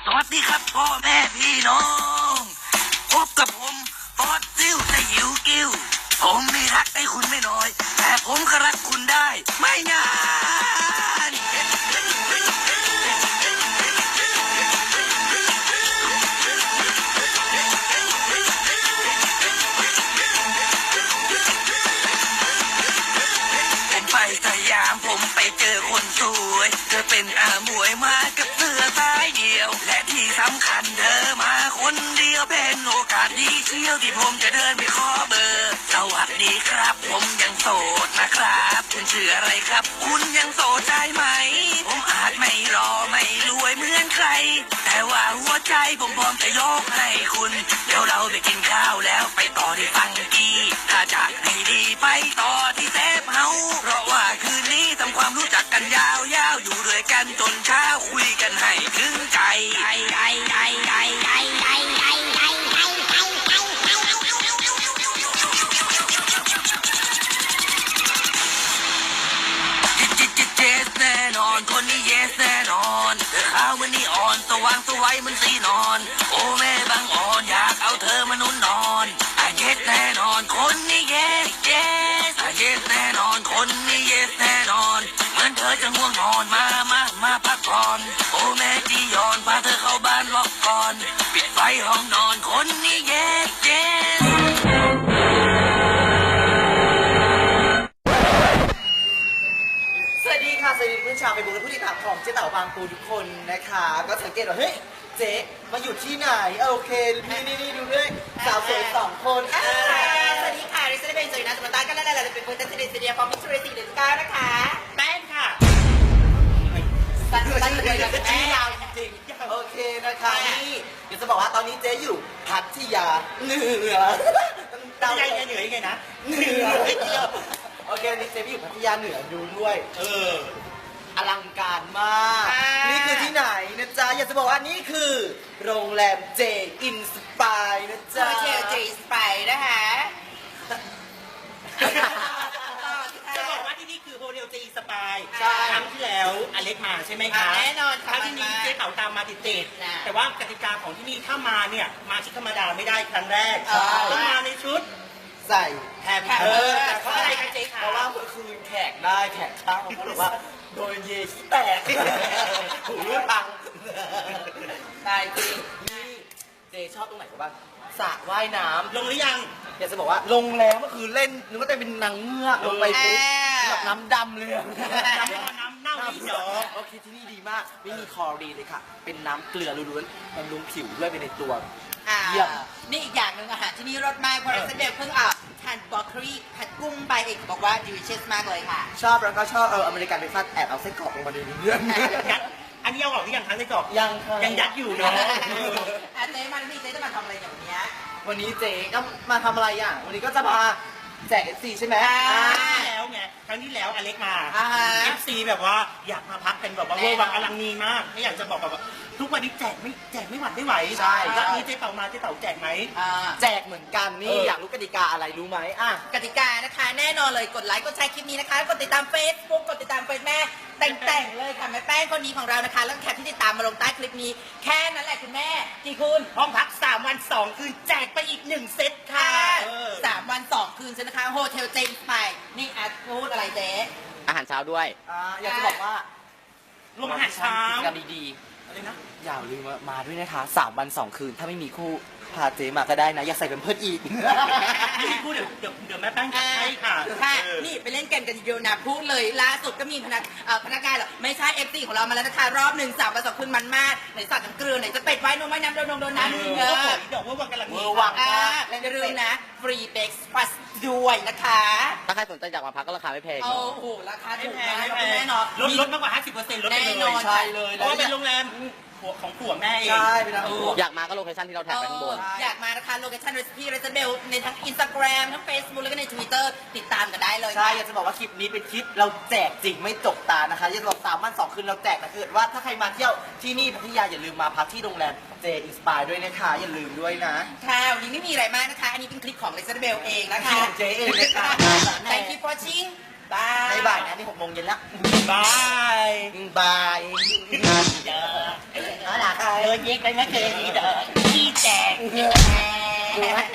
สวัสดีครับพ่อแม่พี่น้องพบกับผมออดซิลแต่หิวกิ้วผมไม่รักให้คุณไม่น้อยแต่ผมก็รักคุณได้ไม่นานผมไปสยามผมไปเจอคนสวยเธอเป็นอาหมวยมากับเสื้อสายเดียวและที่สำคัญเธอมาคนเดียวเป็นโอกาสดีเที่ยวที่ผมจะเดินไปขอเบอร์สวัสดีครับผมยังโสดนะครับคุณชื่ออะไรครับคุณยังโสดได้ไหมผมอาจไม่รอไม่รวยเหมือนใครแต่ว่าหัวใจผมพร้อมจะยกให้คุณเดี๋ยวเราไปกินข้าวแล้วไปต่อที่ฟังกี้ถ้าจากให้ดีไปต่อที่เซฟเฮาเพราะว่าคืนนี้ทำความรู้จักกันยาวๆอยู่ด้วยกันจนเช้าคุยกันให้ถึงใจเจสแน่นอนคนนี้เยสแน่นอนเธอขาวเหมือนนีออนสว่างสวัยเหมือนสีนอนโอ้แม่บางอ่อนอยากเอาเธอมานุ่นนอนเยสแน่นอนคนนี้เยสเยสแน่นอนคนนี้เยสแน่นอนเหมือนเธอจะง่วงนอนมาพักผ่อนโอ้แม่จียอนพาเธอเข้าบ้านล็อกก่อนปิดไฟห้องนอนคนนี้เยสสวัสดีค่ะสวัสดีเพื่อนชาวไปบุกและผู้ติดตามของเจ๊เต่าบางปูทุกคนนะคะก็สังเกตว่าเฮ้ยเจ๊มาอยู่ที่ไหนโอเคนี่ดูด้วยสาวสวย2 คนสวัสดีค่ะริซาเบนจอยนะสมตากันแล้วเราเป็นคนตัดสินใจเดียวพอมิสซูริตีเดสกานะคะแป้งค่ะตัดเลยกับแป้งยาวจริงโอเคนะคะนี่เดี๋ยวจะบอกว่าตอนนี้เจ๊อยู่พัทยาเหนือเหนือยังไงนะเหนือโอเคนี่เจ๊อยู่พัทยาเหนือดูด้วยอลังการมากนี่คือที่ไหนนะจ๊ะอยากจะบอกว่านี่คือโรงแรมเจอินสปายนะจ๊ะเจสไปนะคะจะบอกว่าที่นี่คือโฮเทลเจสปายครั้งที่แล้วอเล็กมาใช่ไหมคะแน่นอนครั้งที่นี้เจ๊เต่าตามมาติดแต่ว่ากติกาของที่นี่ถ้ามาเนี่ยมาชุดธรรมดาไม่ได้ครั้งแรกต้องมาในชุดใส่แฮปปี้เพราะอะไรคะเจ๊คะเพราะว่าเมื่อคืนแขกได้แขกเข้าเพราะว่าโดนเยขี้แตกหูรูดพังตายจริงนี่เจชอบตรงไหนกันบ้างสระว่ายน้ำลงหรือยังอยากจะบอกว่าลงแล้วเมื่อคืนเล่นนึกว่าจะเป็นนางเงือกลงไปปุ๊บแบบน้ำดำเลยน้ำเน่าที่เนาะโอเคที่นี่ดีมากไม่มีคลอรีนเลยค่ะเป็นน้ำเกลือล้วนๆบำรุงผิวด้วยไปในตัวเยี่ยมนี่อีกอย่างหนึ่งอาหารที่นี่รสมากเพราะเราเด็กเพิ่งทานบรอกโคลีผัดกุ้งไปเองบอกว่าดิวิเชสมากเลยค่ะชอบแล้วก็ชอบอเมริกันเบรคฟาสต์แอบเอาไส้กรอกลงมาในนี้ด้วยอันนี้เอาออกหรือยังคะไส้กรอกยังยัดอยู่เนาะเจ๊มาที่เจ๊จะมาทำอะไรอย่างเนี้ยวันนี้เจ๊ก็มาทำอะไรอ่ะวันนี้ก็จะมาแจก FC ใช่ไหมแล้วไงครั้งที่แล้วอเล็กมา FC แบบว่าอยากมาพักเป็นแบบว่าเวอร์วังอลังนีมากไม่อยากจะบอกแบบว่าทุกวันนี้แจกไม่หวัดไม่ไหวใช่แล้วนี้เจ๊เต่ามาเจ๊เต่าแจกไหมแจกเหมือนกันนี่อยากรู้กติกาอะไรรู้ไหมกติกานะคะแน่นอนเลยกดไลค์กดแชร์คลิปนี้นะคะกดติดตาม Facebook กดติดตามเฟซแม่แต่งเลยค่ะแม่แป้งคนนี้ของเรานะคะแล้วแคปที่ติดตามมาลงใต้คลิปนี้แค่นั้นแหละคุณแม่กี่คืนห้องพัก3 วัน 2 คืนแจกไปอีก1 เซตค่ะ 3 วัน 2 คืนใช่ไหมคะโฮเทลเจนไปนี่พูดอะไรเจ๊อาหารเช้าด้วยอยากจะบอกว่าลงอาหารเช้ากันดีๆอะไรนะอย่าลืมมาด้วยนะคะ3 วัน 2 คืนถ้าไม่มีคู่พาเจ๊มาก็ได้นะอย่าใส่เป็นเพิ่มอีกนี่พูดเดี๋ยวแม่แป้งใช่ค่ะนี่ไปเล่นเกมกันเยอะนะพูดเลยล่าสุดก็มีพนักงานหรอไม่ใช่FCของเรามาแล้วนะคะรอบ1 3 วัน 2 คืนมันมากไหนสัตว์น้ำเกลือไหนจะเป็ดไว้นมไว้น้ำโดนน้ำเดี๋ยวว่าวังกำลังมีวังและอย่าลืมนะฟรีเบรกฟาสด้วยนะคะถ้าใครสนใจอยากมาพักก็ราคาไม่แพงโอ้โหราคาถูกแน่นอนลดมากกว่า 50%ลดไปเลยใช่เลยเพราะว่าเป็นโรงแรมของผัวแม่เองใช่เป็นอยากมาก็โลเคชั่นที่เราแท็กไปข้างบนอยากมานะคะโลเคชั่นพี่เรซเบลในทั้ง Instagram ทั้ง Facebook แล้วก็ใน Twitter ติดตามกันได้เลยใช่อยากจะบอกว่าคลิปนี้เป็นคลิปเราแจกจริงไม่จกตานะคะอยากจะบอก3 วัน 2 คืนเราแจกแต่เกิดว่าถ้าใครมาเที่ยวที่นี่พัทยาอย่าลืมมาพักที่โรงแรมเจอินสปายด้วยนะคะอย่าลืมด้วยนะค่ะวันนี้ไม่มีอะไรมากนะคะอันนี้เป็นคลิปของเรซเบลเองนะคะเจเองนะคะ Thank you for watching บ่ายนะนี่6 โมงเย็นแล้วบายบายน่ารักเดินเย็กไปไม่เคยดีเด้อขี้แตก